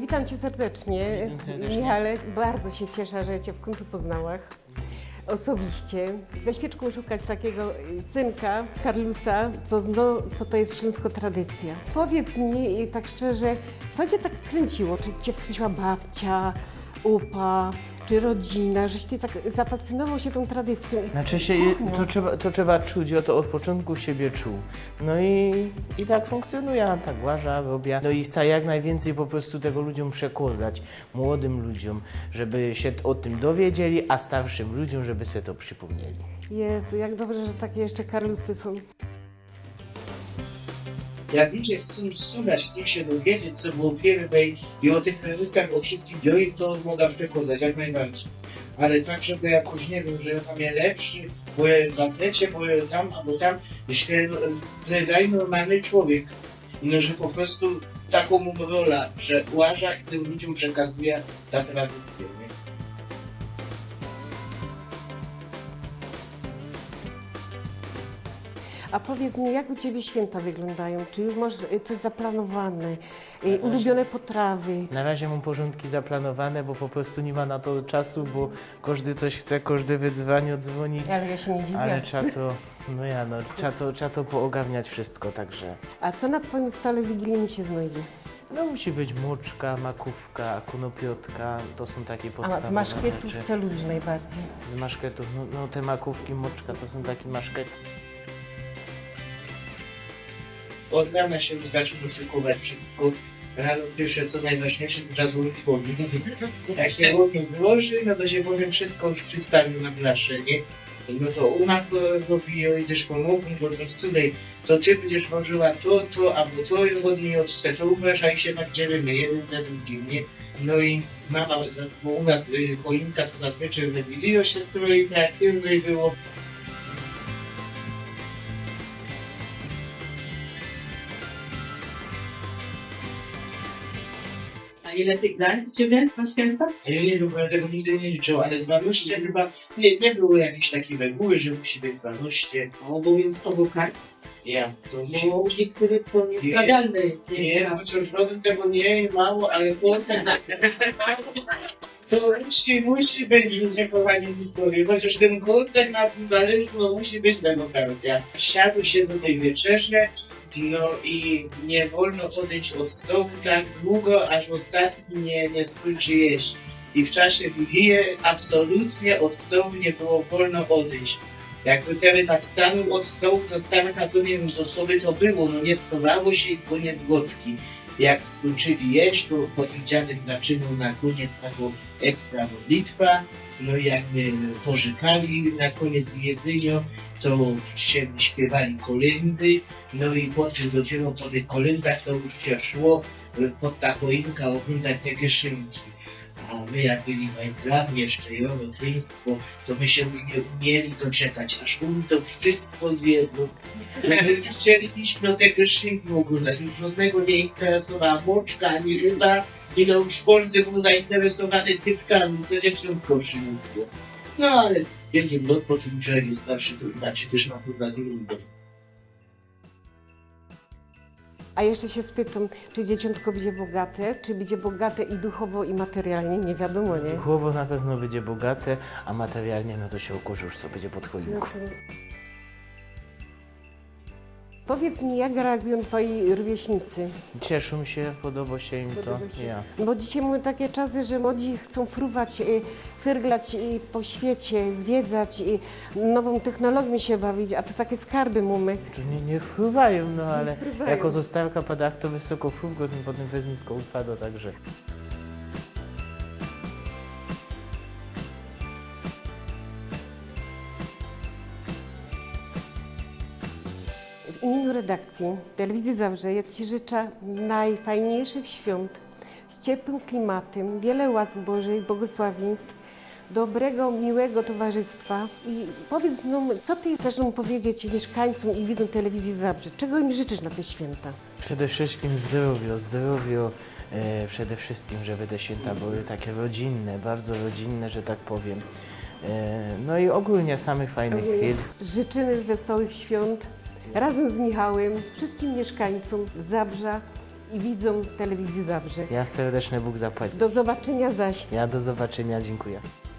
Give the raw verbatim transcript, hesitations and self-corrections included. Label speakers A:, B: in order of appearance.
A: Witam Cię serdecznie,
B: Witam serdecznie.
A: Michale. Bardzo się cieszę, że Cię w końcu poznałam osobiście. Ze świeczką szukać takiego synka, Karlusa, co, no, co to jest śląsko tradycja. Powiedz mi tak szczerze, co Cię tak kręciło? Czy Cię wkręciła babcia, upa, czy rodzina, żeś Ty tak zafascynował się tą tradycją?
B: Znaczy się,
A: Kuchnią.
B: to trzeba, to trzeba czuć, ja to od początku siebie czuł. No i, i tak funkcjonuje, ja tak łażę, robię. No i chcę jak najwięcej po prostu tego ludziom przekazać, młodym ludziom, żeby się o tym dowiedzieli, a starszym ludziom, żeby sobie to przypomnieli.
A: Jezu, jak dobrze, że takie jeszcze Karlusy są.
C: Jak ludzie chcą słuchać, chcą się dowiedzieć, co było pierwej i o tych tradycjach, o wszystkim, ja im to mogę przekazać, jak najbardziej. Ale tak, żeby jakoś, nie wiem, że ja tam jest lepszy, bo ja w gazecie, bo ja tam, albo tam, że daj normalny człowiek. I no, że po prostu taką mu rolę, że uważa i tym ludziom przekazuje ta tradycja, nie?
A: A powiedz mi, jak u Ciebie święta wyglądają? Czy już masz y, coś zaplanowane? Y, ulubione potrawy?
B: Na razie mam porządki zaplanowane, bo po prostu nie ma na to czasu, bo każdy coś chce, każdy wyzwanie dzwoni.
A: Ale ja się nie dziwię.
B: Ale trzeba to, no ja no, trzeba to, trzeba to poogarniać wszystko, także.
A: A co na Twoim stole wigilijnym się znajdzie?
B: No musi być moczka, makówka, konopiotka, to są takie
A: A
B: podstawowe
A: z maszkietów
B: rzeczy.
A: co lubisz najbardziej?
B: Z maszketów, no, no te makówki, moczka to są takie maszkety.
C: Od rana się już zaczyna szykować wszystko. Rano pierwsze, co najważniejsze, to czas uruchomić. Jak się ogień złoży, no to się powiem wszystko już przystawił na blaszę, nie? No to u nas to robi i też pomogą, bo to słuchaj, to ty będziesz włożyła to, to, albo to i od niej odchce, to uważaj się tak dzielimy, jeden za drugim, nie? No i mama, bo u nas y, choinka to zazwyczaj we Wigilio się stroi, tak jak było.
D: A ile tych dań u Ciebie na święta?
C: Ja nie wiem, bo ja tego nigdy nie liczył, ale dwanaście chyba nie, nie było jakiejś takiej reguły, że musi być dwanaście.
D: Obowiązkowo kark,
C: Ja, to musi...
D: bo u niektórych to niestragalne.
C: Nie, chociaż rodem tego nie mało, ale głosem nas. To musi, musi być, ludzie kochani historii, chociaż ten głos tak na tym zależy, no musi być tego karpia. Siadł się do tej wieczerzy, no i nie wolno odejść od stołu tak długo, aż ostatni nie, nie skończy jeść. I w czasie Wigilii absolutnie od stołu nie było wolno odejść. Jakby kiedy tak stanął od stołu do stanka, to nie wiem, co sobie to było, no nie schowało się i koniec gotki. Jak skończyli jeść, to potem dziadek zaczynał na koniec taką ekstra modlitwa, no i jakby pożykali na koniec jedzenia, to się śpiewali kolendy, no i potem dopiero po tych kolendach to już się szło pod ta choinka oglądać te kieszynki. A my jak byli na egzaminie, jeszcze i rodzeństwo, to my się nie umieli doczekać, aż oni to wszystko zjedzą. My już chcieliśmy o te kieszynki oglądać, już żadnego nie interesowała moczka, ani ryba, i no już każdy był zainteresowany tytkami, co dziewczynko przyniosło. No ale z wielkim lot po tym człowiek jest starszy, to inaczej też na to zaglądał.
A: A jeszcze się spytam, czy dzieciątko będzie bogate, czy będzie bogate i duchowo, i materialnie? Nie wiadomo, nie?
B: Duchowo na pewno będzie bogate, a materialnie no to się okaże już co będzie pod
A: No
B: choinką.
A: to... Powiedz mi, jak reagują Twoi rówieśnicy?
B: Cieszą się, podoba się im
A: Podoba
B: to.
A: się.
B: Ja.
A: Bo dzisiaj mamy takie czasy, że młodzi chcą fruwać, y, fyrglać y, po świecie, zwiedzać, y, nową technologią się bawić, a to takie skarby mamy.
B: To nie, nie fruwają, no ale
A: fruwają.
B: jako to starka pada, to wysoko frugo, tym potem bez nisko upada, także.
A: W imieniu redakcji Telewizji Zabrze ja Ci życzę najfajniejszych świąt, z ciepłym klimatem, wiele łask Bożych, błogosławieństw, dobrego, miłego towarzystwa. I powiedz nam, co Ty chcesz nam powiedzieć mieszkańcom i widzom Telewizji Zabrze? Czego im życzysz na te święta?
B: Przede wszystkim zdrowie, zdrowie, e, przede wszystkim, żeby te święta były takie rodzinne, bardzo rodzinne, że tak powiem. E, no i ogólnie samych fajnych chwil.
A: Życzymy wesołych świąt razem z Michałem, wszystkim mieszkańcom Zabrza i widzom telewizji Zabrze.
B: Ja serdeczny Bóg zapłać.
A: Do zobaczenia zaś.
B: Ja do zobaczenia, dziękuję.